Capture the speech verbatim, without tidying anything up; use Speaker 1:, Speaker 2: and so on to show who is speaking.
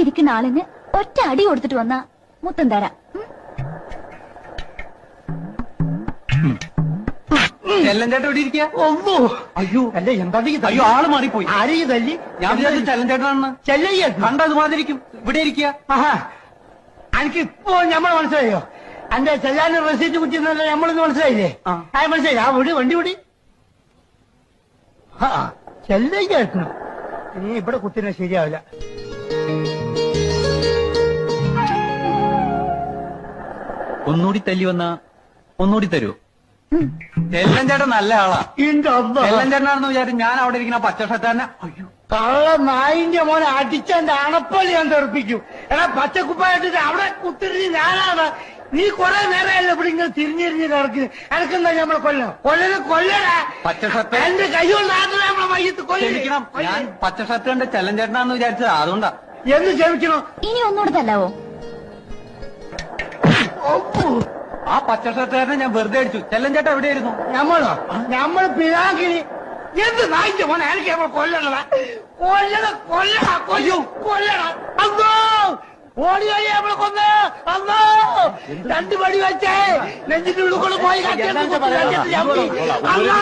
Speaker 1: ഇരിക്കുന്ന ആളിന് ഒറ്റ അടി കൊടുത്തിട്ട് വന്നാ മുത്തം തരാം.
Speaker 2: ചെല്ലഞ്ചേട്ടൻ ഇവിടെ ഇരിക്കുക.
Speaker 3: ഒന്നോ അയ്യോ അല്ല എന്താ
Speaker 2: അയ്യോ ആള് മാറിപ്പോയി.
Speaker 3: ആരെയും തല്ലി?
Speaker 2: ഞാൻ വിചാരിച്ചു ചെല്ലഞ്ചേട്ടനാണെന്ന്.
Speaker 3: ചെല്ലയ്യ
Speaker 2: കണ്ടത് മാതിരിക്കും. ഇവിടെ ഇരിക്കുക.
Speaker 3: ആഹാ എനിക്ക് ഇപ്പോ ഞമ്മളെ മനസ്സിലായോ? എന്റെ ചെല്ലാൻ റെസീറ്റ് കുറ്റിന്നല്ല നമ്മളൊന്ന് മനസ്സിലായില്ലേ?
Speaker 2: ആ
Speaker 3: മനസ്സിലായി. ആ വിടി വണ്ടി വിടി. ആ ചെല്ലയ്യ എത്തണം. ഇനി ഇവിടെ കുത്തിനെ ശരിയാവില്ല.
Speaker 2: ഒന്നുകൂടി തല്ലി വന്ന ഒന്നുകൂടി തരൂ. ചെല്ലഞ്ചേട്ടൻ നല്ല ആളാ. ചെല്ലഞ്ചേട്ടനാണെന്ന് വിചാരിച്ചു ഞാൻ അവിടെ ഇരിക്കുന്ന പച്ചഷർട്ടാനെ. അയ്യോ
Speaker 3: കള്ള നായിന്റെ മോനെ അടിച്ചെന്റെ അണപ്പള്ളി ഞാൻ തെറിപ്പിക്കും. എടാ പച്ചക്കുപ്പായിട്ടിട്ട് അവിടെ കുത്തിരിഞ്ഞ് ഞാനാണ്. നീ കൊറേ നേരമല്ലേ ഇവിടെ ഇങ്ങനെ തിരിഞ്ഞിരിഞ്ഞ് കിടക്കുന്നത്. എനക്കെന്താ നമ്മളെ കൊല്ലം കൊല്ലന് കൊല്ലടാ.
Speaker 2: പച്ചഷർട്ട്
Speaker 3: എന്റെ കൈ കൊണ്ടാണ് നമ്മളെ മയ്യത്ത്
Speaker 2: ക്ഷമിക്കണം. ഞാൻ പച്ചഷർട്ട് കണ്ട് ചെല്ലഞ്ചേട്ടനാണെന്ന് വിചാരിച്ചത് അതുകൊണ്ടാ.
Speaker 3: എന്ന് ക്ഷമിക്കണോ?
Speaker 1: ഇനി ഒന്നുകൂടെ തല്ലാവോ?
Speaker 2: ആ പച്ചഷർട്ടുകാരനെ ഞാൻ വെറുതെ അടിച്ചു. ചെല്ലഞ്ചേട്ടൻ എവിടെയായിരുന്നു?
Speaker 3: ഞമ്മളോ? ഞമ്മള് പിതാക്കിനി എന്ത് നായിന്റെ മോനെ എനിക്ക് നമ്മൾ കൊല്ലണ കൊല്ലണ കൊല്ലണ കൊയ്യോ കൊല്ലണ. അന്നോ ഓടി വഴി നമ്മളെ കൊന്ന്. അന്നോ രണ്ടു പടി വെച്ചേ നെഞ്ചിന്റെ ഉള്ളിൽ കൊണ്ട് പോയി.